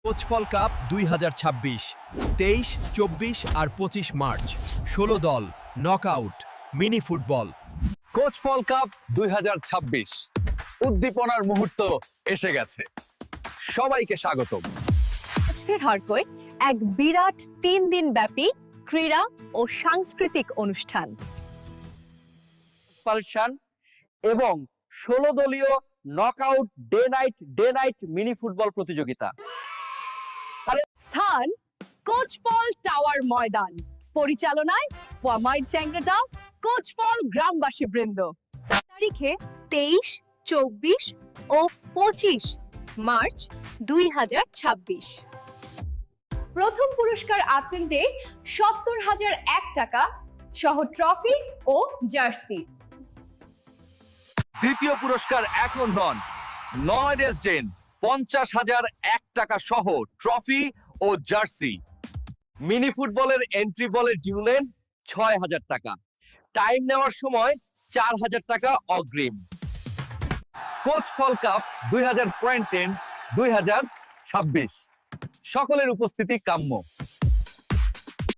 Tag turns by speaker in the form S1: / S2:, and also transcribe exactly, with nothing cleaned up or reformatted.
S1: কোচফল cup দুই হাজার ছাব্বিশ তেইশ চব্বিশ আর পঁচিশ মার্চ ষোলো দল নকআউট মিনি ফুটবল।
S2: কোচফল কাপ দুই হাজার ছাব্বিশ উদ্দীপনার মুহূর্ত এসে গেছে। সবাইকে স্বাগতম।
S3: আজকের হরকই এক বিরাট তিন দিন ব্যাপী ক্রীড়া ও সাংস্কৃতিক অনুষ্ঠান
S4: এক্সপালশন এবং ষোলো দলীয় knockout day night day night mini football প্রতিযোগিতা।
S3: স্থান কোচফল টাওয়ার ময়দান, পরিচালনায় ওয়ামাইট চ্যাংরাটা কোচফল গ্রামবাসী বৃন্দ। তারিখে তেইশ চব্বিশ ও পঁচিশ মার্চ দুই হাজার ছাব্বিশ। প্রথম পুরস্কার আত্মীয়দের সত্তর হাজার এক টাকা সহ ট্রফি ও জার্সি।
S2: দ্বিতীয় পুরস্কার এখন নন নয় রেসডেন পঞ্চাশ হাজার এক টাকা সহ ট্রফি ও জার্সি। মিনি ফুটবলের এন্ট্রি বলের ডিউলেন ছয় হাজার টাকা, টাইম নেওয়ার সময় চার হাজার টাকা অগ্রিম। কোচফল কাপ দুই হাজার টেন দুই হাজার ছাব্বিশ সকলের উপস্থিতি কাম্য।